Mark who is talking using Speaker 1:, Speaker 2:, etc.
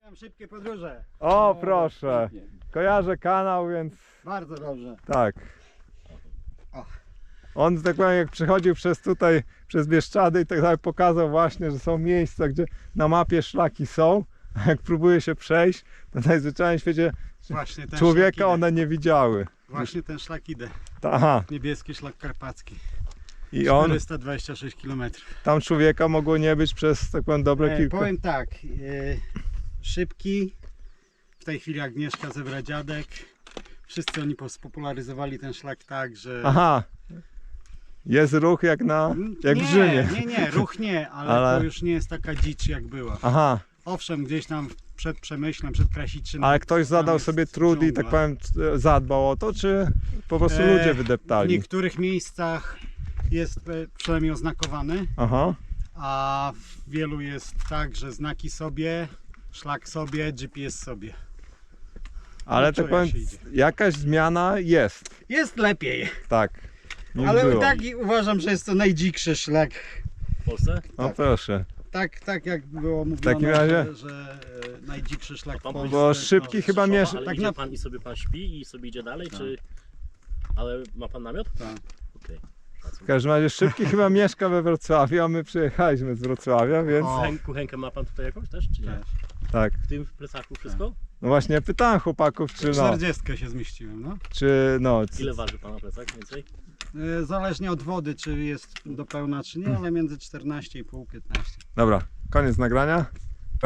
Speaker 1: Szybkie podróże.
Speaker 2: O, proszę. Kojarzę kanał, więc
Speaker 1: Bardzo dobrze.
Speaker 2: tak.
Speaker 1: O.
Speaker 2: On, tak powiem, jak przechodził przez tutaj, przez Bieszczady i tak dalej, pokazał właśnie, że są miejsca, gdzie na mapie szlaki są, a jak próbuje się przejść, to najzwyczajniej w świecie
Speaker 1: Właśnie ten szlak
Speaker 2: człowieka
Speaker 1: idę.
Speaker 2: one nie widziały.
Speaker 1: Właśnie ten szlak idę.
Speaker 2: Aha.
Speaker 1: Niebieski szlak karpacki.
Speaker 2: I on,
Speaker 1: 426 km.
Speaker 2: tam człowieka mogło nie być przez, tak powiem, dobre kilka.
Speaker 1: Powiem tak. Szybki. W tej chwili Agnieszka Zebradziadek. Wszyscy oni spopularyzowali ten szlak tak, że...
Speaker 2: Aha. Jest ruch jak
Speaker 1: nie,
Speaker 2: w Rzymie.
Speaker 1: Nie, ruch nie, ale
Speaker 2: Ale-
Speaker 1: to już nie jest taka dzicz jak była.
Speaker 2: Aha.
Speaker 1: Owszem, gdzieś tam przed Przemyślem, przed Krasiczynem.
Speaker 2: Ale ktoś
Speaker 1: tam
Speaker 2: zadał
Speaker 1: jest
Speaker 2: sobie trud i, tak
Speaker 1: dżungla.
Speaker 2: powiem, zadbał o to, czy po prostu ludzie
Speaker 1: W
Speaker 2: wydeptali?
Speaker 1: niektórych miejscach jest przynajmniej oznakowany,
Speaker 2: Aha.
Speaker 1: a w wielu jest tak, że znaki sobie, szlak sobie, GPS sobie.
Speaker 2: Ale
Speaker 1: No,
Speaker 2: tak
Speaker 1: czuję
Speaker 2: powiem,
Speaker 1: się idzie.
Speaker 2: jakaś zmiana jest,
Speaker 1: Jest lepiej,
Speaker 2: tak. niż
Speaker 1: ale
Speaker 2: było.
Speaker 1: i tak uważam, że jest to najdzikszy szlak.
Speaker 3: W Polsce?
Speaker 2: No
Speaker 1: tak.
Speaker 2: proszę.
Speaker 1: Tak jak było mówione,
Speaker 2: takim razie-
Speaker 1: że najdzikszy szlak w
Speaker 3: pan
Speaker 1: Polsce.
Speaker 2: Bo szybki
Speaker 1: no,
Speaker 2: chyba
Speaker 3: Szopa,
Speaker 2: miesz...
Speaker 3: ale
Speaker 1: tak
Speaker 3: idzie
Speaker 1: na-
Speaker 3: pan i sobie pan śpi i sobie idzie dalej,
Speaker 1: Tak.
Speaker 3: czy... Ale ma pan namiot?
Speaker 1: Tak.
Speaker 3: Okej.
Speaker 2: W każdym razie szybki chyba mieszka we Wrocławiu, a my przyjechaliśmy z Wrocławia, więc
Speaker 1: O.
Speaker 3: Kuchenkę ma pan tutaj jakąś też, czy nie?
Speaker 1: Też.
Speaker 2: tak.
Speaker 3: W tym plecaku wszystko?
Speaker 2: No właśnie pytałem chłopaków, czy
Speaker 1: 40 się zmieściłem, no.
Speaker 3: Ile waży pana plecak więcej?
Speaker 1: Zależnie od wody, czy jest do pełna, czy nie, ale między 14,5 15.
Speaker 2: Dobra, koniec nagrania.